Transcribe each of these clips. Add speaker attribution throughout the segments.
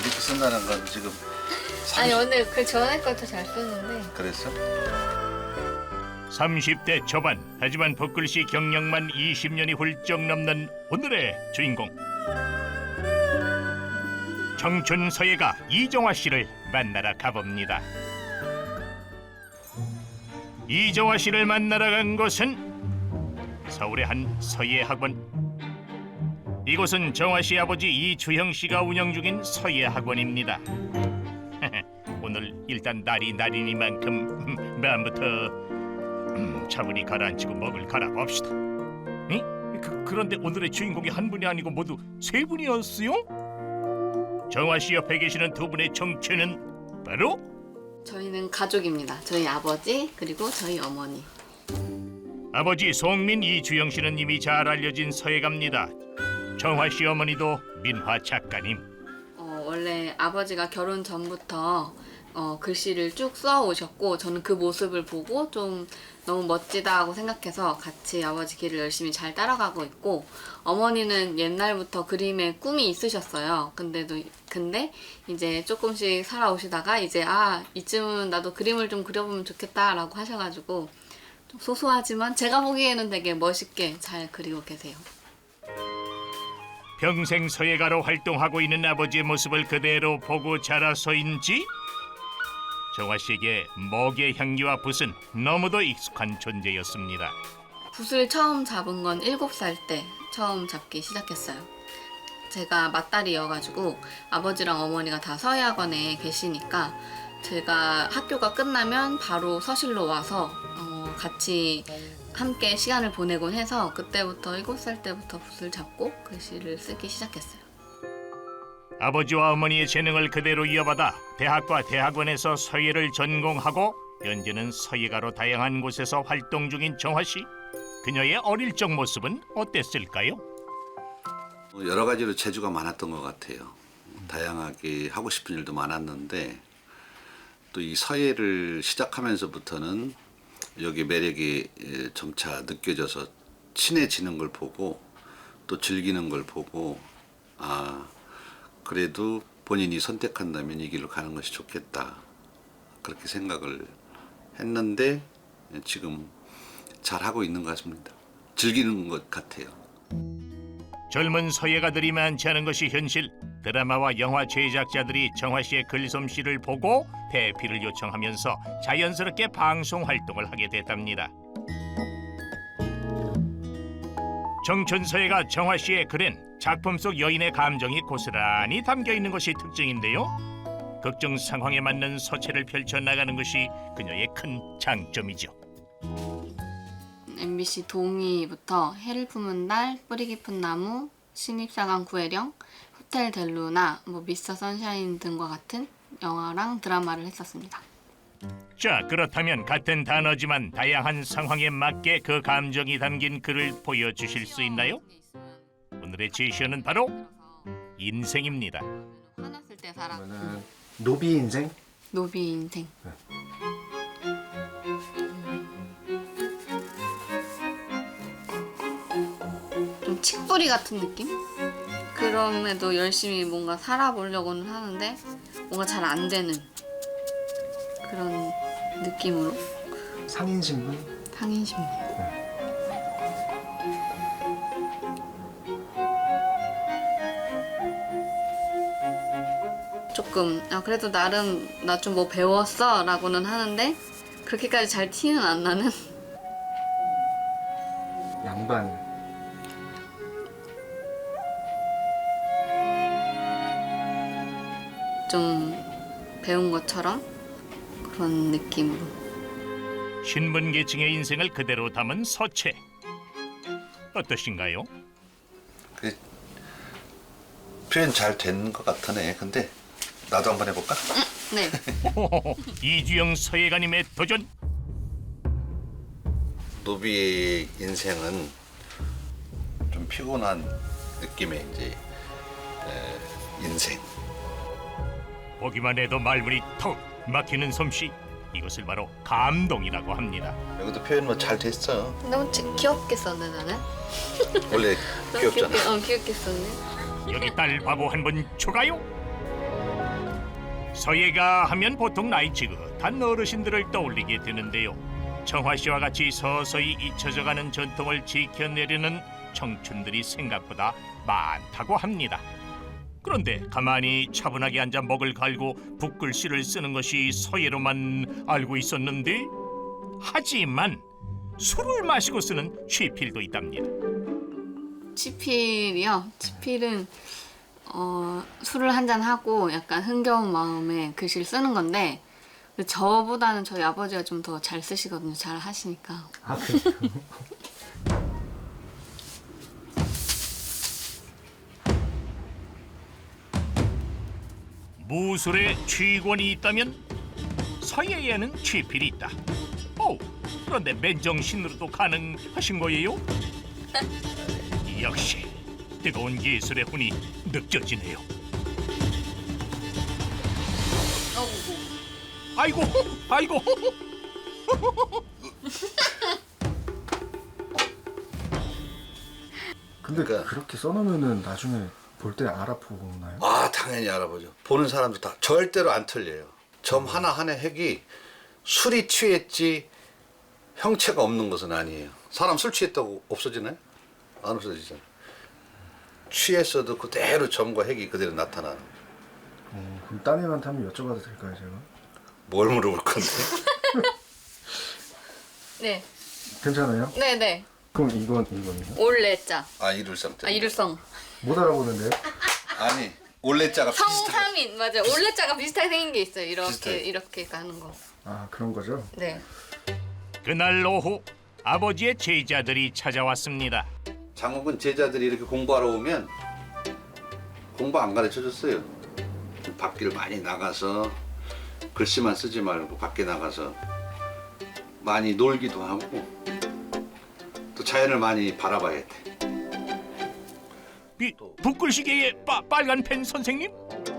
Speaker 1: 이렇게 쓴다는 건 지금
Speaker 2: 아니 오늘 그 전에 것도 잘 썼는데
Speaker 1: 그랬어?
Speaker 3: 30대 초반 하지만 붓글씨 경력만 20년이 훌쩍 넘는 오늘의 주인공 청춘 서예가 이정화 씨를 만나러 가봅니다. 이정화 씨를 만나러 간 곳은 서울의 한 서예 학원. 이곳은 정화 씨 아버지 이주형 씨가 운영 중인 서예 학원입니다. 오늘 일단 날이 날이니만큼 마음부터 차분히 가라앉히고 먹을 갈아봅시다. 응? 그런데 오늘의 주인공이 한 분이 아니고 모두 세 분이었어요? 정화 씨 옆에 계시는 두 분의 정체는 바로
Speaker 2: 저희는 가족입니다. 저희 아버지 그리고 저희 어머니.
Speaker 3: 아버지 송민 이주영 씨는 이미 잘 알려진 서예가입니다. 정화 씨 어머니도 민화 작가님.
Speaker 2: 원래 아버지가 결혼 전부터 글씨를 쭉 써오셨고 저는 그 모습을 보고 좀 너무 멋지다 하고 생각해서 같이 아버지 길을 열심히 잘 따라가고 있고 어머니는 옛날부터 그림에 꿈이 있으셨어요. 근데 이제 조금씩 살아오시다가 이제 이쯤은 나도 그림을 좀 그려보면 좋겠다라고 하셔가지고 좀 소소하지만 제가 보기에는 되게 멋있게 잘 그리고 계세요.
Speaker 3: 평생 서예가로 활동하고 있는 아버지의 모습을 그대로 보고 자라서인지 정화 씨에게 먹의 향기와 붓은 너무도 익숙한 존재였습니다.
Speaker 2: 붓을 처음 잡은 건 7살 때 처음 잡기 시작했어요. 제가 맏딸이어가지고 아버지랑 어머니가 다 서예학원에 계시니까 제가 학교가 끝나면 바로 서실로 와서 같이 함께 시간을 보내곤 해서 그때부터 7살 때부터 붓을 잡고 글씨를 쓰기 시작했어요.
Speaker 3: 아버지와 어머니의 재능을 그대로 이어받아 대학과 대학원에서 서예를 전공하고 현재는 서예가로 다양한 곳에서 활동 중인 정화 씨. 그녀의 어릴 적 모습은 어땠을까요?
Speaker 1: 여러 가지로 재주가 많았던 것 같아요. 다양하게 하고 싶은 일도 많았는데 또 이 서예를 시작하면서부터는 여기 매력이 점차 느껴져서 친해지는 걸 보고 또 즐기는 걸 보고 그래도 본인이 선택한다면 이 길로 가는 것이 좋겠다 그렇게 생각을 했는데 지금 잘하고 있는 것 같습니다. 즐기는 것 같아요.
Speaker 3: 젊은 서예가들이 많지 않은 것이 현실. 드라마와 영화 제작자들이 정화 씨의 글솜씨를 보고 대피를 요청하면서 자연스럽게 방송 활동을 하게 됐답니다. 청춘 서예가 정화 씨의 글엔 작품 속 여인의 감정이 고스란히 담겨 있는 것이 특징인데요. 극중 상황에 맞는 서체를 펼쳐 나가는 것이 그녀의 큰 장점이죠.
Speaker 2: MBC 동이부터 해를 품은 달, 뿌리 깊은 나무, 신입사관 구혜령, 호텔 델루나, 미스터 선샤인 등과 같은 영화랑 드라마를 했었습니다.
Speaker 3: 자, 그렇다면 같은 단어지만 다양한 상황에 맞게 그 감정이 담긴 글을 보여주실 수 있나요? 오늘의 제시어는 바로 인생입니다.
Speaker 2: 화났을 때 살아.
Speaker 4: 그러면은 노비 인생?
Speaker 2: 노비 인생. 좀 칡뿌리 같은 느낌? 그럼에도 열심히 뭔가 살아보려고는 하는데 뭔가 잘 안 되는 그런 느낌으로
Speaker 4: 상인신분?
Speaker 2: 상인신문. 조금 그래도 나름 나 좀 뭐 배웠어 라고는 하는데 그렇게까지 잘 티는 안 나는
Speaker 4: 양반.
Speaker 2: 좀 배운 것처럼 그런 느낌으로.
Speaker 3: 신분 계층의 인생을 그대로 담은 서체. 어떠신가요?
Speaker 1: 그 표현 잘 된 것 같으네. 근데 나도 한번 해볼까?
Speaker 2: 네.
Speaker 3: 이주영 서예가님의 도전.
Speaker 1: 노비의 인생은 좀 피곤한 느낌의 이제 인생.
Speaker 3: 보기만 해도 말문이 턱 막히는 솜씨. 이것을 바로 감동이라고 합니다.
Speaker 1: 여기도 표현 뭐 잘 됐어.
Speaker 2: 너무 귀엽게 썼네 나는.
Speaker 1: 원래
Speaker 2: 너무
Speaker 1: 귀엽잖아.
Speaker 2: 귀엽게 썼네.
Speaker 3: 여기 딸 바보 한 번 추가요. 서예가 하면 보통 나이 지긋한 어르신들을 떠올리게 되는데요. 정화 씨와 같이 서서히 잊혀져가는 전통을 지켜내려는 청춘들이 생각보다 많다고 합니다. 그런데 가만히 차분하게 앉아 먹을 갈고 붓글씨를 쓰는 것이 서예로만 알고 있었는데, 하지만 술을 마시고 쓰는 취필도 있답니다.
Speaker 2: 치필이요? 치필은 술을 한잔 하고 약간 흥겨운 마음에 글씨를 쓰는 건데 저보다는 저희 아버지가 좀 더 잘 쓰시거든요. 잘 하시니까.
Speaker 4: 아, 그래요?
Speaker 3: 무술에 취권이 있다면 서예에는 취필이 있다. 그런데 맨정신으로도 가능하신 거예요? 역시 뜨거운 예술의 혼이 느껴지네요. 아이고, 아이고.
Speaker 4: 근데
Speaker 1: 그러니까-
Speaker 4: 그렇게 써놓으면은 나중에 볼 때 알아보나요?
Speaker 1: 아, 당연히 알아보죠. 보는 사람도 다 절대로 안 틀려요. 점 하나하나 핵이 술이 취했지 형체가 없는 것은 아니에요. 사람 술 취했다고 없어지나요? 안 없어지잖아요. 취했어도 그대로 점과 핵이 그대로 나타나는 거죠.
Speaker 4: 그럼 따님한테 한번 여쭤봐도 될까요, 제가?
Speaker 1: 뭘 물어볼 건데?
Speaker 2: 네,
Speaker 4: 괜찮아요?
Speaker 2: 네네.
Speaker 4: 그럼 이거는요?
Speaker 2: 올레자.
Speaker 1: 아, 이룰성 때문에.
Speaker 2: 이룰성.
Speaker 4: 못 알아보는데요?
Speaker 1: 아니, 올레자가 비슷하게.
Speaker 2: 성삼인 맞아요. 올레자가 비슷하게 생긴 게 있어요. 이렇게
Speaker 1: 비슷해요.
Speaker 2: 이렇게 가는 거.
Speaker 4: 아, 그런 거죠?
Speaker 2: 네.
Speaker 3: 그날 오후 아버지의 제자들이 찾아왔습니다.
Speaker 1: 장욱은 제자들이 이렇게 공부하러 오면 공부 안 가르쳐 줬어요. 밖을 많이 나가서 글씨만 쓰지 말고 밖에 나가서 많이 놀기도 하고 또 자연을 많이 바라봐야 돼.
Speaker 3: 붓글씨계의 빨간 펜 선생님?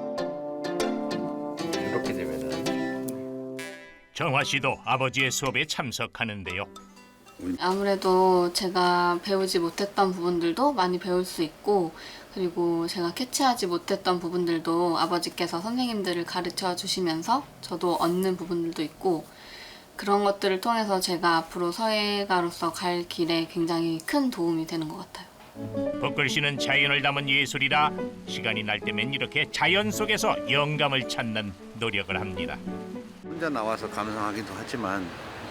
Speaker 1: 이렇게 되면은
Speaker 3: 정화 씨도 아버지의 수업에 참석하는데요.
Speaker 2: 아무래도 제가 배우지 못했던 부분들도 많이 배울 수 있고 그리고 제가 캐치하지 못했던 부분들도 아버지께서 선생님들을 가르쳐 주시면서 저도 얻는 부분들도 있고 그런 것들을 통해서 제가 앞으로 서예가로서 갈 길에 굉장히 큰 도움이 되는 것 같아요.
Speaker 3: 붓글씨는 자연을 담은 예술이라 시간이 날 때면 이렇게 자연 속에서 영감을 찾는 노력을 합니다.
Speaker 1: 혼자 나와서 감상하기도 하지만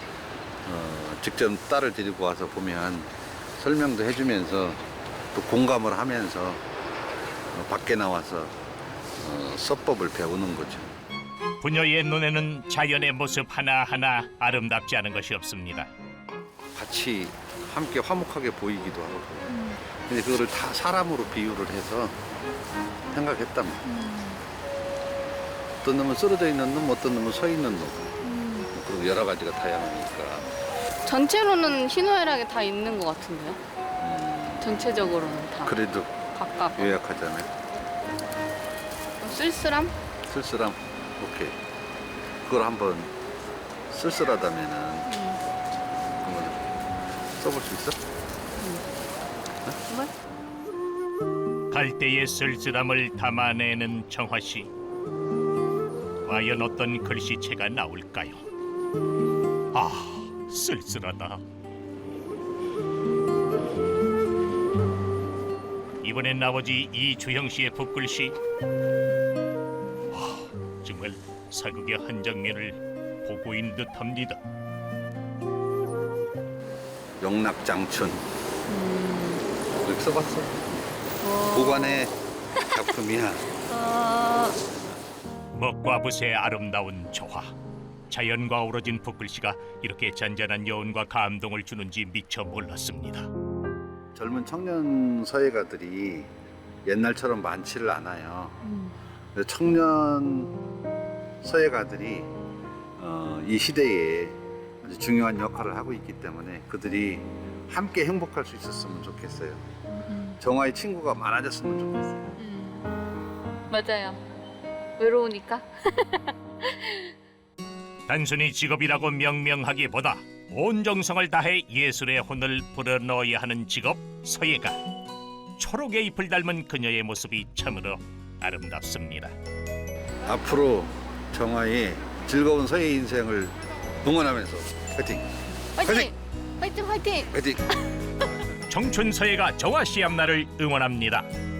Speaker 1: 직접 딸을 데리고 와서 보면 설명도 해주면서 또 공감을 하면서 밖에 나와서 서법을 배우는 거죠.
Speaker 3: 부녀의 눈에는 자연의 모습 하나하나 아름답지 않은 것이 없습니다.
Speaker 1: 같이 함께 화목하게 보이기도 하고 근데 그거를 다 사람으로 비유를 해서 생각했단 말이에요. 어떤 놈은 쓰러져 있는 놈, 어떤 놈은 서 있는 놈 그리고 여러 가지가 다양하니까
Speaker 2: 전체로는 희노애락이 다 있는 것 같은데요? 전체적으로는 다
Speaker 1: 그래도
Speaker 2: 각각
Speaker 1: 요약하자면
Speaker 2: 쓸쓸함?
Speaker 1: 쓸쓸함 오케이 그걸 한번 쓸쓸하다면은 그러면 써볼 수 있어?
Speaker 3: 갈대의 쓸쓸함을 담아내는 정화 씨. 과연 어떤 글씨체가 나올까요? 아, 쓸쓸하다. 이번엔 아버지 이주형 씨의 붓글씨. 정말 사극의 한 장면을 보고 있는 듯합니다.
Speaker 1: 영락장춘 이렇게 써봤어 보관의 작품이야.
Speaker 3: 먹과 붓의 아름다운 조화. 자연과 어우러진 붓글씨가 이렇게 잔잔한 여운과 감동을 주는지 미처 몰랐습니다.
Speaker 1: 젊은 청년 서예가들이 옛날처럼 많지를 않아요. 근데 청년 서예가들이 이 시대에 아주 중요한 역할을 하고 있기 때문에 그들이 함께 행복할 수 있었으면 좋겠어요. 정화의 친구가 많아졌으면 좋겠어요.
Speaker 2: 맞아요. 외로우니까.
Speaker 3: 단순히 직업이라고 명명하기보다 온 정성을 다해 예술의 혼을 불어넣어야 하는 직업 서예가. 초록의 잎을 닮은 그녀의 모습이 참으로 아름답습니다.
Speaker 1: 앞으로 정화의 즐거운 서예 인생을 응원하면서 화이팅!
Speaker 2: 화이팅! 화이팅! 화이팅!
Speaker 1: 화이팅!
Speaker 3: 청춘 서예가 정화 씨 앞날을 응원합니다.